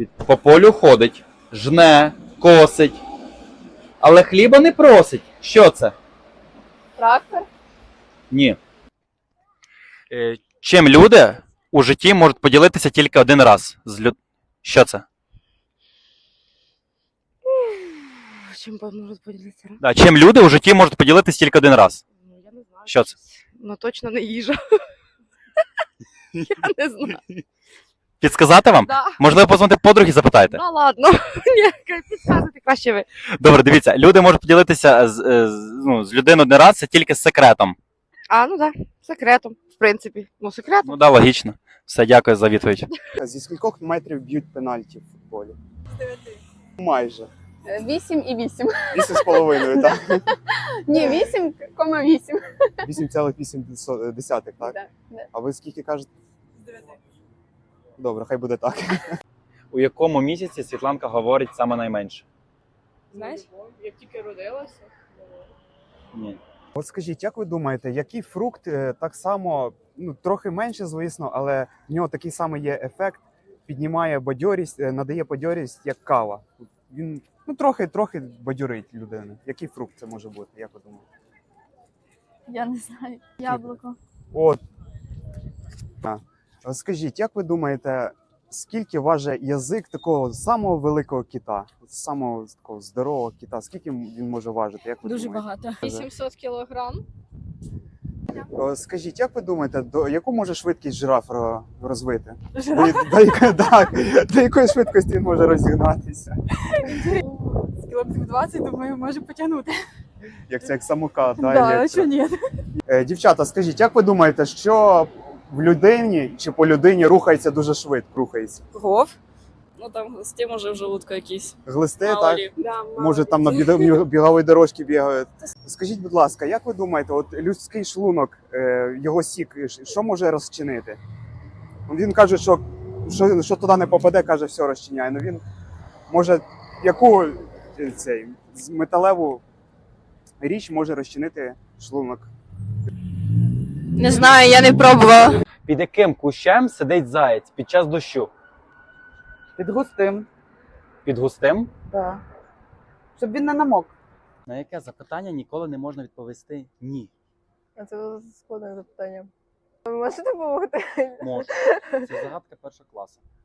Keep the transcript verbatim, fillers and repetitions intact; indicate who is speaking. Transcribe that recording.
Speaker 1: По полю ходить, жне, косить, але хліба не просить. Що це?
Speaker 2: Трактор.
Speaker 1: Ні. Е, чим люди у житті можуть поділитися тільки один раз? З люд... Що це?
Speaker 2: Чим можуть поділитися?
Speaker 1: Да, чим люди у житті можуть поділитися тільки один раз?
Speaker 2: Ну, я не знаю.
Speaker 1: Що це?
Speaker 2: Ну, точно не їжа. Я не знаю.
Speaker 1: Підсказати вам?
Speaker 2: Да.
Speaker 1: Можливо, позвонити подруги, запитайте.
Speaker 2: Ну, ладно. Ні, підказуйте краще ви.
Speaker 1: Добре, дивіться, люди можуть поділитися з, з, ну, з людиною один раз, це тільки з секретом.
Speaker 2: А, ну так, да. Секретом, в принципі. Ну, секретом.
Speaker 1: Ну так, да, логічно. Все, дякую за відповідь.
Speaker 3: Зі скількох метрів б'ють пенальті в футболі? З дев'яти. Майже.
Speaker 4: Вісім і вісім.
Speaker 3: Вісім з половиною, так?
Speaker 4: Ні, вісім кома вісім.
Speaker 3: Вісім цілих вісім десятих, так?
Speaker 4: Да, да.
Speaker 3: А ви скільки кажете? З дев'яти. Добре, хай буде так.
Speaker 1: У якому місяці Світланка говорить саме найменше?
Speaker 2: Знаєш?
Speaker 4: Як тільки родилася.
Speaker 1: Ні.
Speaker 3: От скажіть, як ви думаєте, який фрукт е, так само, ну трохи менше, звісно, але в нього такий самий є ефект, піднімає бадьорість, е, надає бадьорість, як кава? Він ну трохи трохи бадьорить людину. Який фрукт це може бути? Як ви думаєте?
Speaker 5: Я не знаю. Яблуко.
Speaker 3: От. А. Скажіть, як ви думаєте, скільки важить язик такого самого великого кита, самого такого здорового кита? Скільки він може важити? Як ви
Speaker 5: Дуже
Speaker 3: думаєте?
Speaker 5: багато.
Speaker 4: вісімсот кілограм.
Speaker 3: О, скажіть, як ви думаєте, до яку може швидкість жираф ро- розвити? До, до, яко- так, до якої швидкості він може розігнатися?
Speaker 5: З кілометрів двадцять, думаю, може потягнути.
Speaker 3: Як це як самокат, да,
Speaker 5: Да, а
Speaker 3: електро.
Speaker 5: що ні?
Speaker 3: Е, Дівчата, скажіть, як ви думаєте, що в людині чи по людині рухається дуже швидко? Рухається?
Speaker 6: Гов. Ну там глисти, може в желудку якісь.
Speaker 3: Глисти,
Speaker 6: Мало
Speaker 3: так?
Speaker 6: лі. Да, мало
Speaker 3: Може
Speaker 6: лі.
Speaker 3: там на біда- біговій дорожці бігають. Скажіть, будь ласка, як ви думаєте, от людський шлунок, е, його сік, що може розчинити? Він каже, що, що, що туди не попаде, каже, все розчиняє. Ну він може яку е, цей, з- металеву річ може розчинити шлунок?
Speaker 6: Не знаю, я не пробувала.
Speaker 1: Під яким кущем сидить заєць під час дощу?
Speaker 7: Під густим,
Speaker 1: Під густим?
Speaker 7: так. Щоб він не намок.
Speaker 1: На яке запитання ніколи не можна відповісти ні.
Speaker 4: А це складне запитання. Ви можете допомогти?
Speaker 1: Можна. Це загадка першого класу.